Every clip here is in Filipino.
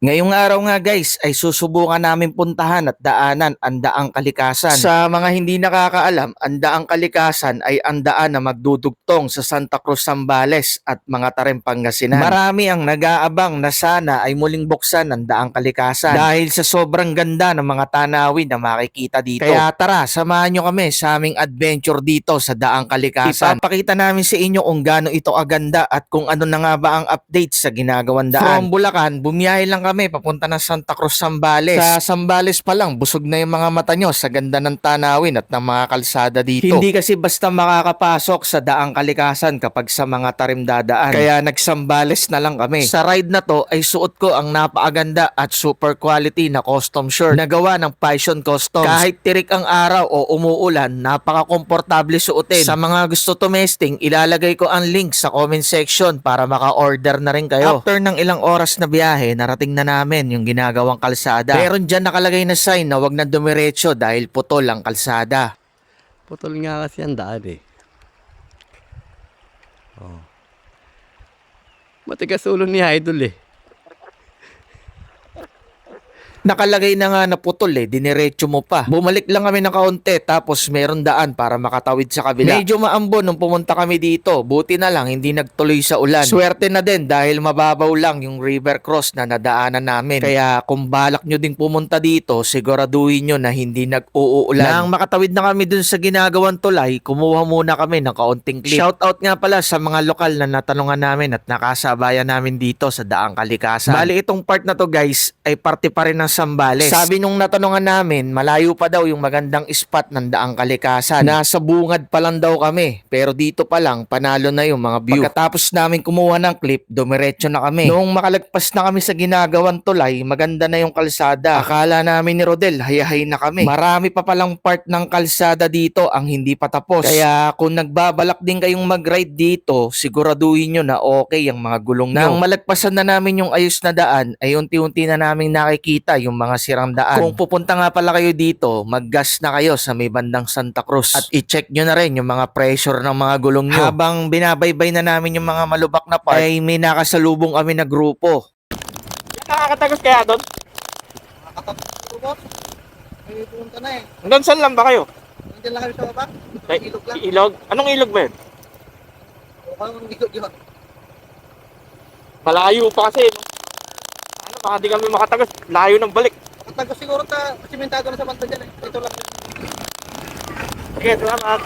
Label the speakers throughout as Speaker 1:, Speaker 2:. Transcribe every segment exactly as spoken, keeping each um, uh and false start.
Speaker 1: Ngayong araw nga guys ay susubukan namin puntahan at daanan ang Daang Kalikasan. Sa mga hindi nakakaalam, ang Daang Kalikasan ay ang daan na magdudugtong sa Santa Cruz, Zambales at mga Tarem, Pangasinan. Marami ang nag-aabang na sana ay muling buksan ang Daang Kalikasan dahil sa sobrang ganda ng mga tanawin na makikita dito. Kaya tara, samahan nyo kami sa aming adventure dito sa Daang Kalikasan. Ipapakita namin sa inyo kung gaano ito aganda at kung ano na nga ba ang update sa ginagawang daan. From Bulacan, bumiyahe lang kami papunta ng Santa Cruz, Zambales. Sa Zambales pa lang, busog na yung mga mata nyo sa ganda ng tanawin at ng mga kalsada dito. Hindi kasi basta makakapasok sa Daang Kalikasan kapag sa mga Tarem dadaan. Kaya nagsambales na lang kami. Sa ride na to ay suot ko ang napakaganda at super quality na custom shirt na gawa ng Passion Customs. Kahit tirik ang araw o umuulan, napaka-komportable suotin. Sa mga gusto tumesting, ilalagay ko ang link sa comment section para maka-order na rin kayo. After ng ilang oras na biyahe, narating na namin yung ginagawang kalsada. Meron dyan nakalagay na sign na wag na dumiretso dahil putol ang kalsada.
Speaker 2: Putol nga kasi ang daan eh. Oh. Matigas ulo ni Idol eh.
Speaker 1: Nakalagay na nga na putol eh, diniretso mo pa. Bumalik lang kami ng kaunti tapos meron daan para makatawid sa kabila. Medyo maambon nung pumunta kami dito, buti na lang hindi nagtuloy sa ulan. Swerte na din dahil mababaw lang yung river cross na nadaanan namin. Kaya kung balak nyo ding pumunta dito, siguraduhin nyo na hindi nag-uulan. Nang makatawid na kami dun sa ginagawang tulay, kumuha muna kami ng kaunting clip. Shoutout nga pala sa mga lokal na natanungan namin at nakasabayan namin dito sa Daang Kalikasan. Bali itong part na to guys ay parte pa rin ng Zambales. Sabi nung natanungan namin, malayo pa daw yung magandang spot ng Daang Kalikasan. Nasa bungad pa lang daw kami. Pero dito pa lang, panalo na yung mga view. Pagkatapos namin kumuha ng clip, dumiretso na kami. Noong makalagpas na kami sa ginagawang tulay, maganda na yung kalsada. Akala namin ni Rodel, hayahay na kami. Marami pa palang part ng kalsada dito ang hindi pa tapos. Kaya kung nagbabalak din kayong mag-ride dito, siguraduhin nyo na okay ang mga gulong nyo. Nang malagpasan na namin yung ayos na daan, ay unti-unti na namin nakikita yung mga sirang daan. Kung pupunta nga pala kayo dito, mag-gas na kayo sa may bandang Santa Cruz at i-check nyo na rin yung mga pressure ng mga gulong nyo. Habang binabaybay na namin yung mga malubak na part, ay may nakasalubong kami na grupo.
Speaker 3: Nakakatagos kaya doon?
Speaker 4: Nakatapos ko po. May pumunta na eh.
Speaker 3: Hanggang saan lang ba kayo?
Speaker 4: Nandiyan lang kami sa baba.
Speaker 3: Ay,
Speaker 4: Ilog lang.
Speaker 3: ilog? Anong ilog ba yun?
Speaker 4: O kung ilog yun.
Speaker 3: Malayo pa kasi. No? Ano, baka di kami makatagos. Layo ng balik.
Speaker 4: Nakatagos siguro ta simentado na sa banda dyan eh. Ito lang.
Speaker 3: Sige, salamat.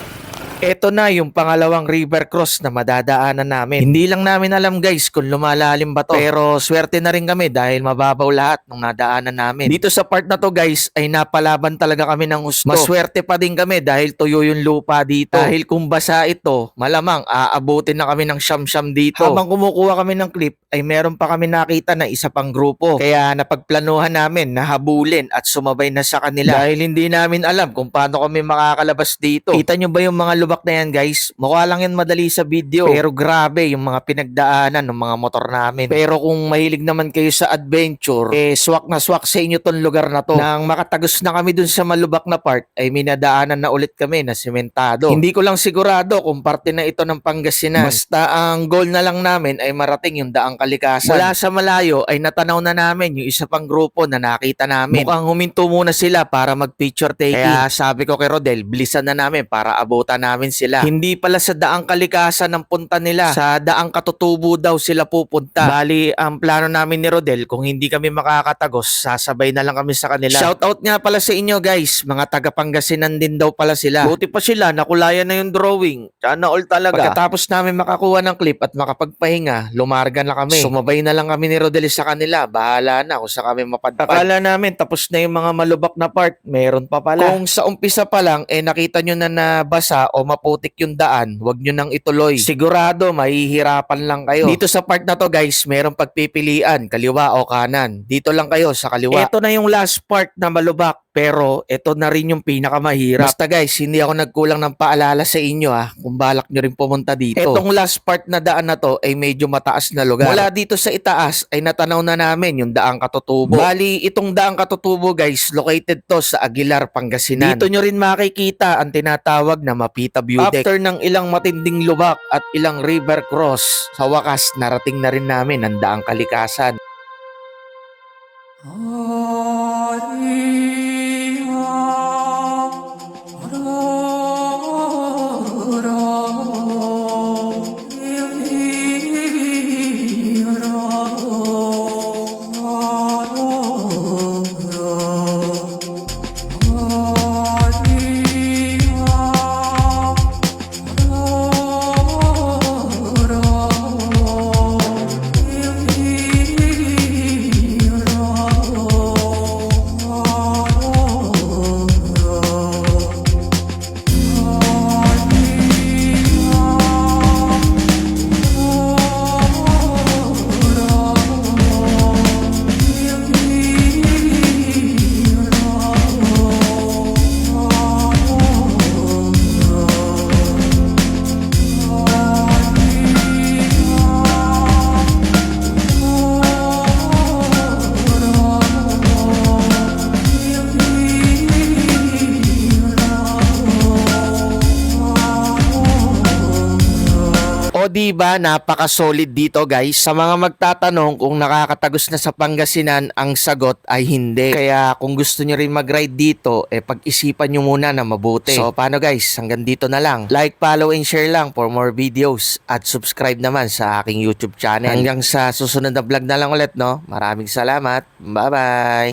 Speaker 1: Ito na yung pangalawang river cross na madadaanan namin. Hindi lang namin alam guys kung lumalalim ba to. Pero swerte na rin kami dahil mababaw lahat ng nadaanan namin. Dito sa part na to guys ay napalaban talaga kami ng gusto. Maswerte pa din kami dahil tuyo yung lupa dito. Dahil kung basa ito, malamang aabutin na kami ng siyam-siyam dito. Habang kumukuha kami ng clip ay meron pa kami nakita na isa pang grupo. Kaya napagplanuhan namin na habulin at sumabay na sa kanila. Dahil hindi namin alam kung paano kami makakalabas dito. Kita nyo ba yung mga lubak na yan guys? Mukha lang yan madali sa video. Pero grabe yung mga pinagdaanan ng mga motor namin. Pero kung mahilig naman kayo sa adventure, eh swak na swak sa inyo tong lugar na to. Nang makatagos na kami dun sa malubak na part, ay minadaanan na ulit kami na sementado. Hindi ko lang sigurado kung parte na ito ng Pangasinan. Basta ang goal na lang namin ay marating yung Daang Kalikasan. Mula sa malayo ay natanaw na namin yung isa pang grupo na nakita namin. Mukhang huminto muna sila para mag picture taking. Kaya sabi ko kay Rodel, bilisan na namin para abutan namin sila. Hindi pala sa Daang Kalikasan ang punta nila. Sa Daang Katutubo daw sila pupunta. Bali, ang plano namin ni Rodel, kung hindi kami makakatagos, sasabay na lang kami sa kanila. Shoutout nga pala sa inyo guys. Mga taga Pangasinan din daw pala sila. Buti pa sila, nakulayan na yung drawing. Sana all talaga. Pagkatapos namin makakuha ng clip at makapagpahinga, lumarga na kami. Sumabay na lang kami ni Rodel sa kanila. Bahala na kung sa kami mapadpad. Akala namin tapos na yung mga malubak na part. Meron pa pala. Kung sa umpisa pa lang, eh nakita nyo na nabasa o maputik yung daan, wag nyo nang ituloy. Sigurado, mahihirapan lang kayo. Dito sa part na to guys, merong pagpipilian, kaliwa o kanan. Dito lang kayo sa kaliwa. Ito na yung last part na malubak. Pero ito na rin yung pinakamahirap. Basta guys, hindi ako nagkulang ng paalala sa inyo ah, kung balak nyo rin pumunta dito. Itong last part na daan na to ay medyo mataas na lugar. Mula dito sa itaas ay natanaw na namin yung Daang Katutubo. Bali, itong Daang Katutubo guys, located to sa Aguilar, Pangasinan. Dito nyo rin makikita ang tinatawag na Mapita View Deck. After ng ilang matinding lubak at ilang river cross, sa wakas narating na rin namin ang Daang Kalikasan. O di ba napaka-solid dito guys. Sa mga magtatanong kung nakakatagos na sa Pangasinan, ang sagot ay hindi. Kaya kung gusto nyo rin mag-ride dito, eh pag-isipan nyo muna na mabuti. So paano guys, hanggang dito na lang. Like, follow, and share lang for more videos. At subscribe naman sa aking YouTube channel. Hanggang sa susunod na vlog na lang ulit, no? Maraming salamat. Bye-bye!